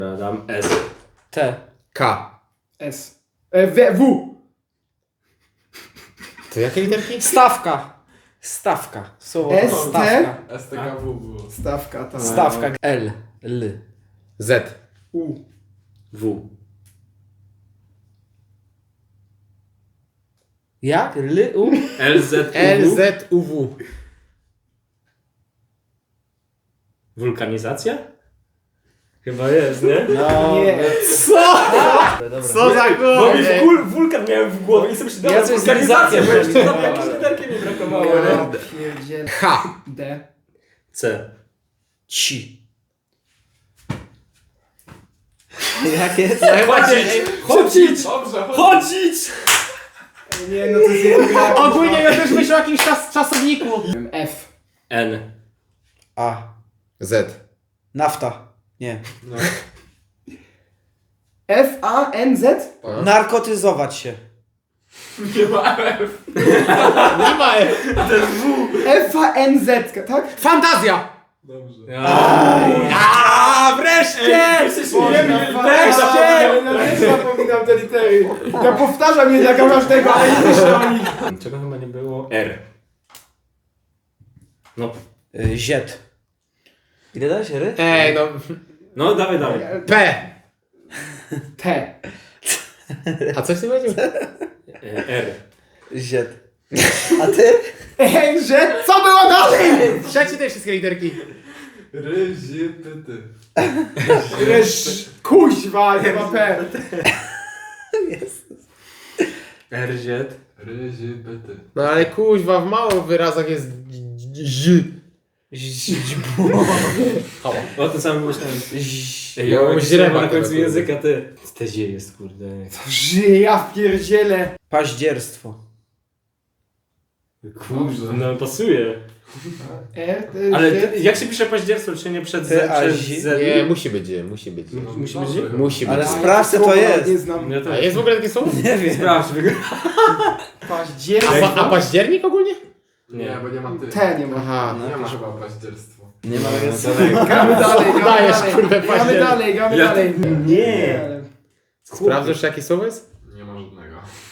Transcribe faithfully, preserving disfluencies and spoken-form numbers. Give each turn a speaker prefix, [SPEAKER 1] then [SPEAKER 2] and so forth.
[SPEAKER 1] Dam S.
[SPEAKER 2] T.
[SPEAKER 3] K.
[SPEAKER 4] S. E, w. W.
[SPEAKER 3] To jakie literki?
[SPEAKER 2] Stawka. Stawka. Słowo
[SPEAKER 4] S, T?
[SPEAKER 2] stawka.
[SPEAKER 5] S T K W było.
[SPEAKER 4] Stawka, tam.
[SPEAKER 2] Stawka. L. L.
[SPEAKER 3] Z.
[SPEAKER 4] U.
[SPEAKER 1] W.
[SPEAKER 2] Jak? L. U?
[SPEAKER 1] L Z U
[SPEAKER 3] L
[SPEAKER 1] W.
[SPEAKER 3] Z U W.
[SPEAKER 1] Wulkanizacja? Chyba jest, nie?
[SPEAKER 2] No.
[SPEAKER 4] Nie.
[SPEAKER 2] Co? Dobra.
[SPEAKER 3] Co za
[SPEAKER 1] Bo mi
[SPEAKER 3] głowie?
[SPEAKER 1] wul, wulkan miałem w głowie i sobie przydałem
[SPEAKER 2] Ja coś z
[SPEAKER 1] wulkanizację, bo jeszcze tam
[SPEAKER 2] wulkanizacją
[SPEAKER 1] jakieś literki mi brakowało,
[SPEAKER 4] Ja
[SPEAKER 1] nie?
[SPEAKER 4] pierdzielę.
[SPEAKER 3] H.
[SPEAKER 4] D.
[SPEAKER 1] C.
[SPEAKER 2] Ci. Jak jest?
[SPEAKER 1] Chodzić! Chodzić!
[SPEAKER 5] Dobrze, chodź.
[SPEAKER 1] Chodzić!
[SPEAKER 4] Nie, no to jest jeden.
[SPEAKER 3] Ogólnie ja też myślę o jakimś czas, czasowniku.
[SPEAKER 4] F.
[SPEAKER 1] N.
[SPEAKER 2] A.
[SPEAKER 3] Z.
[SPEAKER 2] Nafta. Nie.
[SPEAKER 4] F, A, N, Z?
[SPEAKER 2] Narkotyzować się.
[SPEAKER 5] Nie ma F.
[SPEAKER 3] Nie ma F.
[SPEAKER 4] F, A, N, Z, tak?
[SPEAKER 3] Fantazja!
[SPEAKER 5] Dobrze.
[SPEAKER 3] A wreszcie!
[SPEAKER 4] Wreszcie! Ja też zapominam te litery. Ja powtarzam je dla każdego, ale nie myślę o nich.
[SPEAKER 1] Czego chyba nie było? R. No.
[SPEAKER 2] Y, Ziet. Ile dałeś ry?
[SPEAKER 3] Ej, no.
[SPEAKER 1] No, dawaj, dawaj.
[SPEAKER 3] P.
[SPEAKER 4] T.
[SPEAKER 3] A coś ty powiedział?
[SPEAKER 1] E, R.
[SPEAKER 2] Ziet. A ty?
[SPEAKER 4] N, Z? Co było dalej?
[SPEAKER 3] Trzecie te wszystkie literki.
[SPEAKER 5] Ryzie pyty.
[SPEAKER 4] Resz... Kuźwa, nie ma P.
[SPEAKER 1] R Z.
[SPEAKER 5] Ryzie pyty.
[SPEAKER 3] No ale kuźwa, w małych wyrazach jest Z.
[SPEAKER 1] O tym samym myślałem. Ej,
[SPEAKER 3] Ja
[SPEAKER 1] ja
[SPEAKER 3] mam
[SPEAKER 1] mam
[SPEAKER 3] źreba
[SPEAKER 1] na końcu
[SPEAKER 3] tego,
[SPEAKER 1] języka, ty. Te zie jest, kurde.
[SPEAKER 4] Żyję, ja wpierdzielę.
[SPEAKER 2] Paździerstwo.
[SPEAKER 1] Kurde, no pasuje.
[SPEAKER 4] E, T,
[SPEAKER 1] Ale
[SPEAKER 4] Z.
[SPEAKER 1] ty, jak się pisze paździerstwo, czy nie przed
[SPEAKER 2] Ty,
[SPEAKER 1] Z?
[SPEAKER 2] a
[SPEAKER 1] Przez
[SPEAKER 2] zi-
[SPEAKER 1] Z?
[SPEAKER 3] Nie, musi być, musi być.
[SPEAKER 1] Mu- Musi być
[SPEAKER 5] Dobrze.
[SPEAKER 1] zie?
[SPEAKER 3] Musi być.
[SPEAKER 2] Ale
[SPEAKER 4] A,
[SPEAKER 2] sprawdź, co to
[SPEAKER 4] słowa
[SPEAKER 2] jest.
[SPEAKER 4] Nie znam.
[SPEAKER 1] Ja
[SPEAKER 3] A
[SPEAKER 1] też.
[SPEAKER 3] jest w ogóle takie słowo?
[SPEAKER 2] Nie wiem.
[SPEAKER 1] Sprawdź, wygra.
[SPEAKER 3] A,
[SPEAKER 4] Październik.
[SPEAKER 3] pa, a październik ogólnie?
[SPEAKER 5] Nie, bo nie ma ty.
[SPEAKER 4] T nie ma.
[SPEAKER 3] Aha.
[SPEAKER 5] Nie ma chyba paździerstwo.
[SPEAKER 2] Nie ma
[SPEAKER 4] Gramy dalej, gramy
[SPEAKER 3] Dajesz,
[SPEAKER 4] dalej.
[SPEAKER 3] kurde,
[SPEAKER 4] Gramy
[SPEAKER 3] październik.
[SPEAKER 4] dalej, gramy
[SPEAKER 1] Ja-
[SPEAKER 4] dalej.
[SPEAKER 1] Nie.
[SPEAKER 3] Sprawdzasz jakie słowo jest?
[SPEAKER 5] Nie ma żadnego.